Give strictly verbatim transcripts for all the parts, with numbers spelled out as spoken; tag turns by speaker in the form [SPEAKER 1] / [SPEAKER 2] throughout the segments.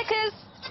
[SPEAKER 1] kız.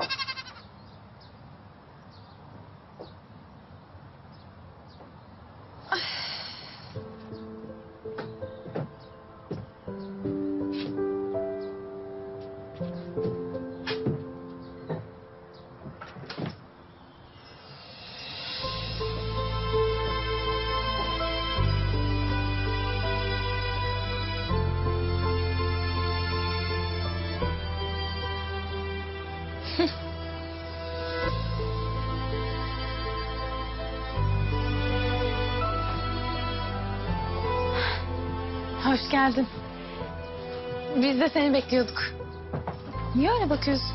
[SPEAKER 1] Hoş geldin. Biz de seni bekliyorduk. Niye öyle bakıyorsun?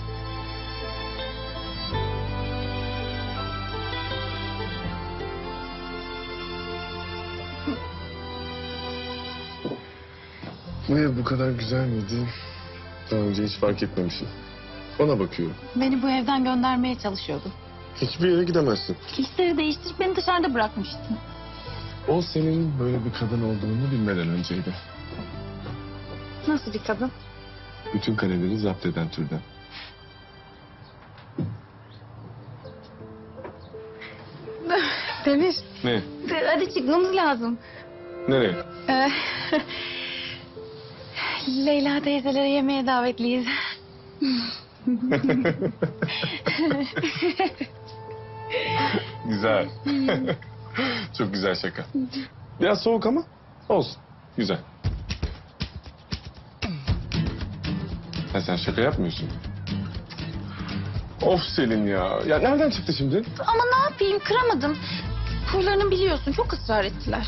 [SPEAKER 2] Bu ev bu kadar güzel miydi? Daha önce hiç fark etmemişim. Ona bakıyorum.
[SPEAKER 1] Beni bu evden göndermeye çalışıyordun.
[SPEAKER 2] Hiçbir yere gidemezsin.
[SPEAKER 1] İşleri değiştirip beni dışarıda bırakmıştın.
[SPEAKER 2] O senin böyle bir kadın olduğunu bilmeden önceydi.
[SPEAKER 1] Nasıl bir kadın?
[SPEAKER 2] Bütün kaleleri zapt eden türden.
[SPEAKER 1] Demir,
[SPEAKER 2] Ne?
[SPEAKER 1] hadi çıkmamız lazım.
[SPEAKER 2] Nereye?
[SPEAKER 1] Ee, Leyla teyzelere yemeğe davetliyiz.
[SPEAKER 2] Güzel. Çok güzel şaka. Biraz soğuk ama olsun. Güzel. Ha, sen şaka yapmıyorsun. Of Selin ya. Ya nereden çıktı şimdi?
[SPEAKER 1] Ama ne yapayım, kıramadım. Huylarını biliyorsun, çok ısrar ettiler.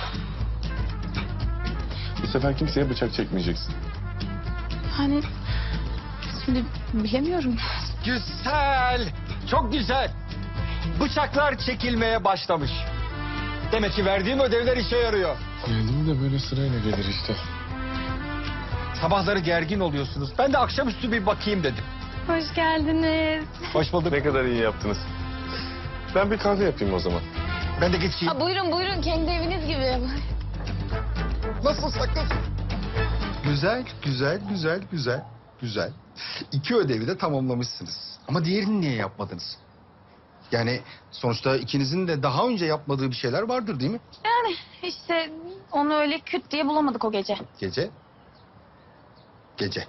[SPEAKER 2] Bu sefer kimseye bıçak çekmeyeceksin.
[SPEAKER 1] Hani şimdi bilemiyorum.
[SPEAKER 3] Güzel, çok güzel. Bıçaklar çekilmeye başlamış. Demek ki verdiğim ödevler işe yarıyor.
[SPEAKER 2] Geldiğim de böyle sırayla gelir işte.
[SPEAKER 3] Sabahları gergin oluyorsunuz. Ben de akşamüstü bir bakayım dedim.
[SPEAKER 1] Hoş geldiniz.
[SPEAKER 3] Hoş bulduk.
[SPEAKER 2] Ne kadar iyi yaptınız. Ben bir kahve yapayım o zaman.
[SPEAKER 3] Ben de geçeyim.
[SPEAKER 1] Ha, buyurun buyurun, kendi eviniz gibi.
[SPEAKER 3] Nasıl sakın? Güzel, güzel, güzel, güzel, güzel. İki ödevi de tamamlamışsınız. Ama diğerini niye yapmadınız? Yani sonuçta ikinizin de daha önce yapmadığı bir şeyler vardır değil mi?
[SPEAKER 1] Yani işte onu öyle küt diye bulamadık o gece.
[SPEAKER 3] Gece. Gece.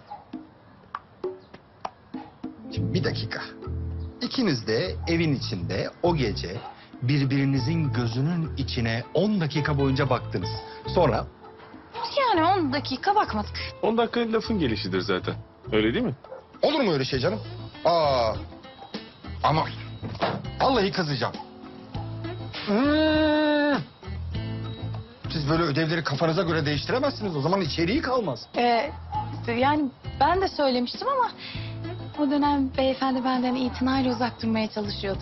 [SPEAKER 3] Şimdi bir dakika. İkiniz de evin içinde o gece birbirinizin gözünün içine on dakika boyunca baktınız. Sonra
[SPEAKER 1] Yani on dakika bakmadık.
[SPEAKER 2] On dakika lafın gelişidir zaten. Öyle değil mi?
[SPEAKER 3] olur mu öyle şey canım? Aa. Ama vallahi kızacağım. Hmm. Siz böyle ödevleri kafanıza göre değiştiremezsiniz. O zaman içeriği kalmaz.
[SPEAKER 1] Ee, yani ben de söylemiştim ama o dönem beyefendi benden itinayla uzak durmaya çalışıyordu.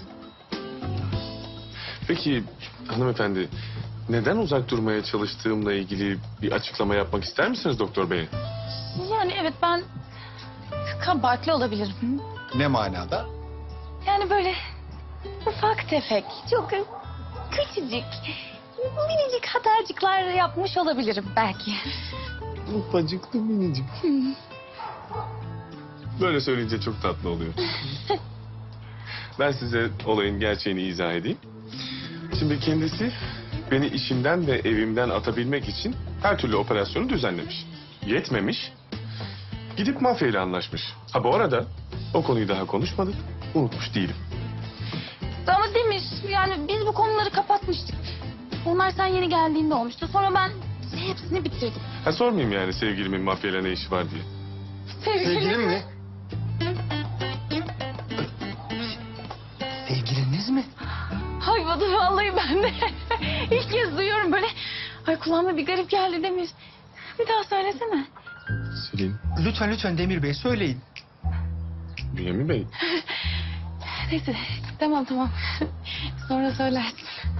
[SPEAKER 2] Peki hanımefendi, neden uzak durmaya çalıştığımla ilgili bir açıklama yapmak ister misiniz doktor bey?
[SPEAKER 1] Yani evet, ben kabahatli olabilirim.
[SPEAKER 3] Ne manada?
[SPEAKER 1] Yani böyle ufak tefek, çok küçücük, minicik hatarcıklar yapmış olabilirim belki.
[SPEAKER 2] Ufacıklı minicik. Böyle söyleyince çok tatlı oluyor. Ben size olayın gerçeğini izah edeyim. Şimdi kendisi beni işimden ve evimden atabilmek için her türlü operasyonu düzenlemiş. Yetmemiş. Gidip mafyayla anlaşmış. Ha bu arada o konuyu daha konuşmadık. Unutmuş değilim.
[SPEAKER 1] Ama Demir, yani biz bu konuları kapatmıştık. Onlar sen yeni geldiğinde olmuştu. Sonra ben hepsini bitirdim.
[SPEAKER 2] Ha sormayayım yani sevgilimin mafyayla ne işi var diye.
[SPEAKER 3] Sevgilim mi? Sevgiliniz mi?
[SPEAKER 1] Ay vallahi ben de ilk kez duyuyorum böyle. Ay kulağıma bir garip geldi Demir. Bir daha söylesene.
[SPEAKER 2] Selin,
[SPEAKER 3] Lütfen lütfen Demir Bey söyleyin.
[SPEAKER 2] Bünyamin Bey.
[SPEAKER 1] Neyse tamam tamam. Sonra söylersin.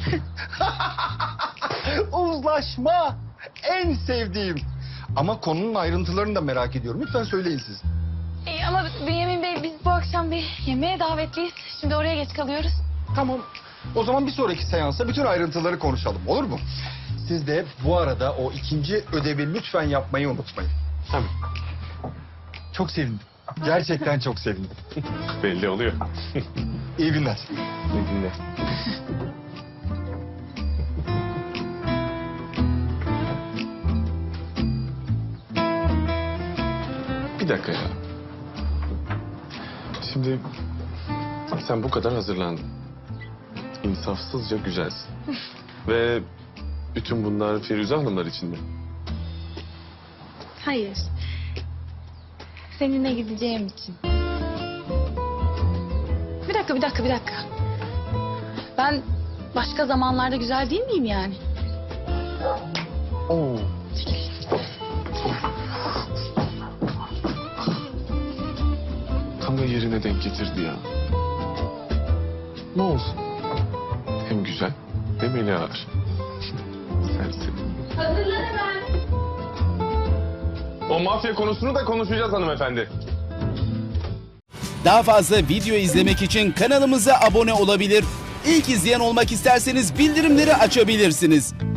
[SPEAKER 3] Uzlaşma. En sevdiğim. Ama konunun ayrıntılarını da merak ediyorum. Lütfen söyleyin siz.
[SPEAKER 1] İyi ama Bünyamin Bey, biz bu akşam bir yemeğe davetliyiz. Şimdi oraya geç kalıyoruz.
[SPEAKER 3] Tamam. O zaman bir sonraki seansta bütün ayrıntıları konuşalım. Olur mu? Siz de bu arada o ikinci ödevi lütfen yapmayı unutmayın.
[SPEAKER 2] Tabii.
[SPEAKER 3] Çok sevindim. Gerçekten çok sevindim.
[SPEAKER 2] Belli oluyor.
[SPEAKER 3] İyi günler.
[SPEAKER 2] İyi günler. Bir dakika ya. Şimdi sen bu kadar hazırlandın. İnsafsızca güzelsin. Ve bütün bunlar Firuze Hanımlar için mi?
[SPEAKER 1] Hayır. Seninle gideceğim için. Bir dakika, bir dakika, bir dakika. Ben başka zamanlarda güzel değil miyim yani?
[SPEAKER 2] Oo. Tam da yerine denk getirdi ya. Ne olsun? Hem güzel hem eli ağır. Sensin.
[SPEAKER 1] Hazırlan hemen.
[SPEAKER 2] O mafya konusunu da konuşacağız hanımefendi.
[SPEAKER 4] Daha fazla video izlemek için kanalımıza abone olabilir. İlk izleyen olmak isterseniz bildirimleri açabilirsiniz.